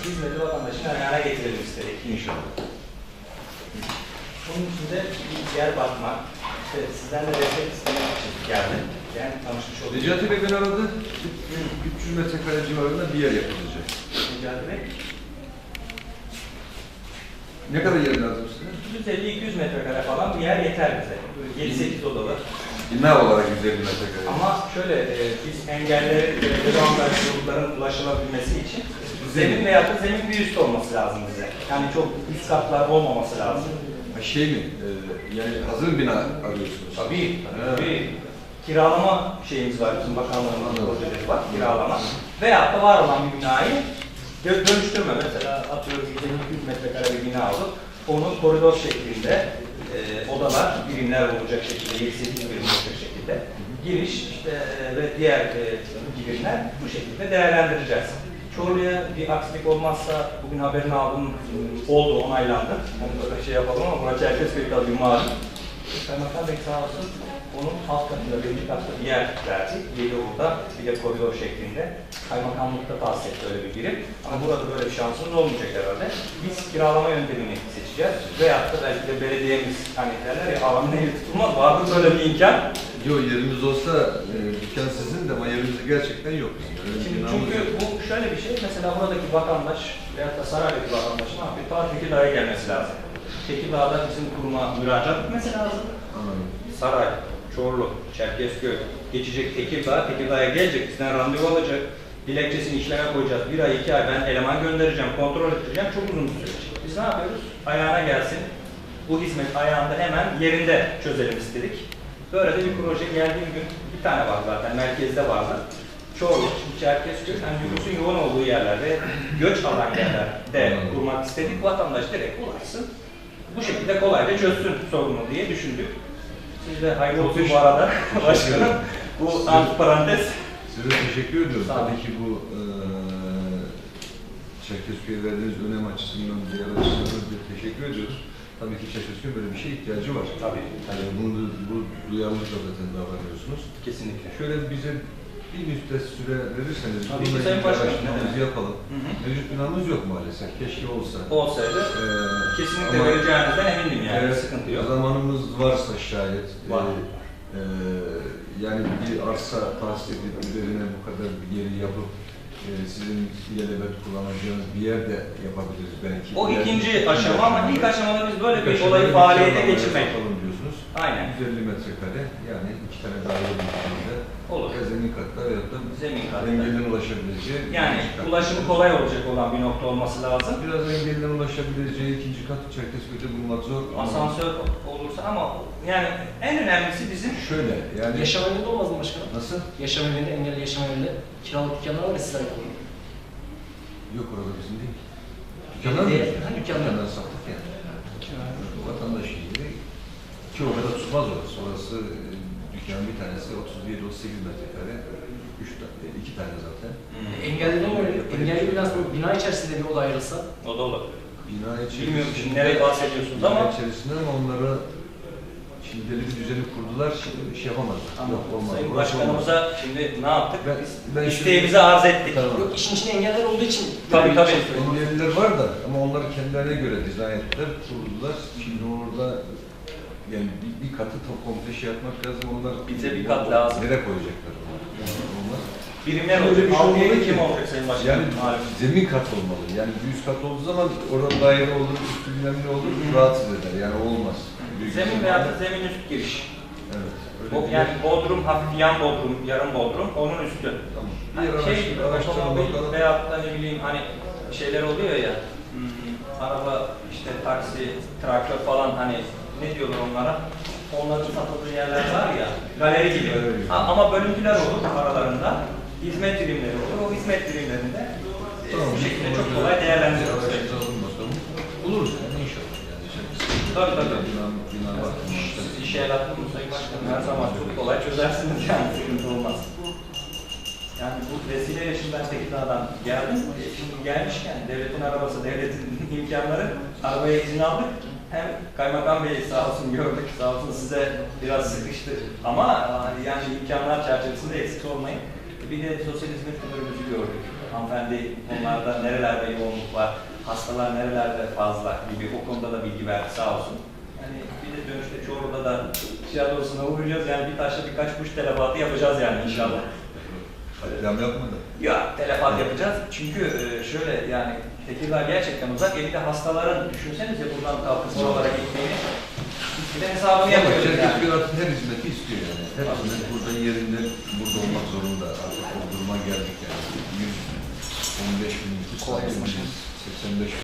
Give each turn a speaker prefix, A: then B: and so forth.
A: hizmeti vatandaşın ayağına getirelim istedik.
B: İnşallah.
A: Bunun için de bir yer bakmak, işte sizden de destek istemek için geldim. Yani tanışmış olduk.
B: Necati Bey beni aradı. 300 metrekare civarında bir yer yapılacak.
A: Necati Bey.
B: Ne kadar yer lazım size?
A: 150-200 metrekare falan bir yer yeter bize. 7-8 odalı.
B: Bina olarak 150 metrekare.
A: Ama şöyle, biz engelleri çocukların ulaşılabilmesi için zemin veya da zemin bir üst olması lazım bize. Yani çok üst katlar olmaması lazım.
B: Şey mi? Yani hazır bina arıyorsunuz.
A: Tabii. Kiralama şeyimiz var, bizim bakanlığımızın projeleri var, kiralama. Veyahut da var olan bir binayı dönüştürme. Mesela atıyorum 100 metrekare bir bina olur. Onu koridor şeklinde odalar, birimler olacak şekilde, 7-8 birim olacak şekilde giriş işte, ve diğer birimler bu şekilde değerlendireceğiz. Çorlu'ya bir aksilik olmazsa bugün haberini aldım, oldu, onaylandı. Yani böyle şey yapalım ama burası Çerkezköy tabii malum. Kaymakam Bey sağ olsun, onun alt katında, birinci katta bir yer verdi. Yedi orada, bir de koridor şeklinde. Kaymakamlıkta tahsis etti öyle bir birim. Ama burada böyle bir şansımız olmayacak herhalde. Biz kiralama yöntemini seçeceğiz. Veyahut da belki de belediyemiz, hani derler ya, alanın eli tutulmaz, vardır böyle bir imkan.
B: Yok, yerimiz olsa dükkan sizin de ama yerimiz gerçekten yok.
A: Çünkü bu şöyle bir şey, mesela buradaki vatandaş veyahut da Saray'daki vatandaş ne yapıyor? Ta Tekirdağ'a gelmesi lazım. Tekirdağ'da bizim kuruma müracaat etmesi lazım. Saray, Çorlu, Çerkezköy geçecek Tekirdağ, Tekirdağ'a gelecek, bizden randevu alacak, dilekçesini işleme koyacağız. 1 ay, 2 ay ben eleman göndereceğim, kontrol ettireceğim, çok uzun bir süreç. Biz ne yapıyoruz? Ayağına gelsin, bu hizmet ayağında hemen yerinde çözelim istedik. Böyle de bir proje geldiğim gün, bir tane var zaten, merkezde vardı. Çorlu, Çerkezköy, yani nüfusun yoğun olduğu yerlerde, göç alan yerlerde kurmak istedik. Vatandaş direkt ulaşsın, bu şekilde kolayca çözsün sorunu diye düşündük. Siz de hayırlı olsun bu arada başkanım. Bu antiparantez.
B: Size teşekkür ediyorum. Tabii ki bu Çerkezköy'e verdiğiniz önem açısından, diğer açısından teşekkür ediyoruz. Tabii ki Çerkezköy'ün böyle bir şeye ihtiyacı var.
A: Tabii.
B: Yani bunu bu duyarlılıkla zaten davranıyorsunuz.
A: Kesinlikle.
B: Şöyle bize bir müddet süre verirseniz
A: tabii ki Sayın Başkanım,
B: yapalım. Mevcut binamız yok maalesef. Keşke olsa.
A: Olsaydı kesinlikle vereceğinizden emindim yani. Sıkıntı yok.
B: Zamanımız varsa şayet.
A: Var.
B: Yani bir arsa tahsis edip üzerine bu kadar bir yeri yapıp sizin ilelebet kullanacağınız bir yer de yapabiliriz belki.
A: O ikinci aşama ama ilk aşamada biz böyle bir olayı faaliyete geçirmek.
B: Diyorsunuz.
A: Aynen.
B: 150 metrekare yani 2 tane daire büyüklüğünde.
A: Olur.
B: Zemin katta veya da
A: zemin katta.
B: engelden ulaşabileceği.
A: Yani ulaşımı kolay olacak olan bir nokta olması lazım.
B: Biraz engelden ulaşabileceği ikinci kat Çerkezköy'de bulmak zor.
A: Asansör olursa ama yani en önemlisi bizim
B: şöyle yani.
C: Yaşam evinde olmaz mı başkanım?
B: Nasıl?
C: Yaşam evinde, engelli yaşam evinde kiralık dükkanlar var ya sizler yapalım.
B: Yok, orada bizim değil. Dükkanlar mı? Dükkanlar sattık yani. Vatandaş gibi. Ki o kadar tutmaz orası. Orası dükkanın bir tanesi 37-38 metrekare. 2 tane zaten.
C: Engelliden öyle. Engelli bina içerisinde bir oda ayrılsa.
A: o da olabilir.
B: Bina içerisinde.
A: Bilmiyorum şimdi nereye bahsediyorsunuz ama.
B: Bina içerisinde ama onlara şimdi belli bir düzeni kurdular, şey yapamazlar. Yok, olmaz.
A: Sayın Başkanımıza şimdi ne yaptık?
B: Ben
A: İsteğimizi arz ettik.
B: Tamam.
C: Yok, işin içinde engeller olduğu için.
A: Tabii.
B: Engelliler var da ama onlar kendilerine göre dizayn ettiler, kurdular. Şimdi orada yani bir katı komple şey yapmak lazım. Onlar
A: bize bir kat lazım.
B: Nereye koyacaklar onlar? Olmaz.
A: Birimler
B: Öyle
A: olacak.
B: bir şey
A: Altıya
B: olmalı
A: kim
B: ki.
A: olacak Sayın Başkanım?
B: Yani zemin kat olmalı. Yani bir üst kat olduğu zaman orada daire olur, üstü bilmem ne olur, rahatsız eder. Yani olmaz.
A: Zemin veya da zemin üst giriş.
B: Evet.
A: Yani bodrum, hafif yan bodrum, yarım bodrum, onun üstü.
B: Tamam.
A: Hani otomobil veyahut da ne bileyim hani şeyler oluyor ya, araba, işte taksi, traktör falan hani ne diyorlar onlara? Onların satıldığı yerler var ya, galeri gibi. Ama bölüntüler olur aralarında, hizmet birimleri olur. O hizmet birimlerinde bu şekilde çok kolay değerlendiriyoruz.
B: Buluruz yani inşallah.
A: Tabii.
B: Bina var.
A: Siz işe el attınız mı Sayın Başkanım? Her zaman çok kolay çözersiniz yani, sıkıntı olmaz. Yani bu vesileyle şimdi ben Tekirdağ'dan geldim. Şimdi gelmişken devletin arabası, devletin imkanları, arabaya izin aldık. Hem Kaymakam Bey sağ olsun gördük, sağ olsun size biraz sıkıştı. Ama yani imkanlar çerçevesinde eksik olmayın. Bir de sosyal hizmet müdürümüzü gördük. hanımefendi onlarda nerelerde yoğunluk var, hastalar nerelerde fazla gibi o konuda da bilgi verdi sağ olsun. Yani bir de dönüşte Çorlu'da da tiyatrosuna uğrayacağız yani bir taşla birkaç kuş telefatı yapacağız yani inşallah.
B: Katliam yapmadı.
A: Ya telefat yapacağız çünkü şöyle yani Tekirdağ gerçekten uzak. Bir de hastaların düşünsenize buradan kalkıp oralara gitmeyi bir de hesabını yapıyoruz yani.
B: Çerkezköy artık her hizmeti istiyor yani. Her hizmet burada yerinde, burada olmak zorunda. Artık o duruma geldik yani. 115 bin nüfus sahibiz, 85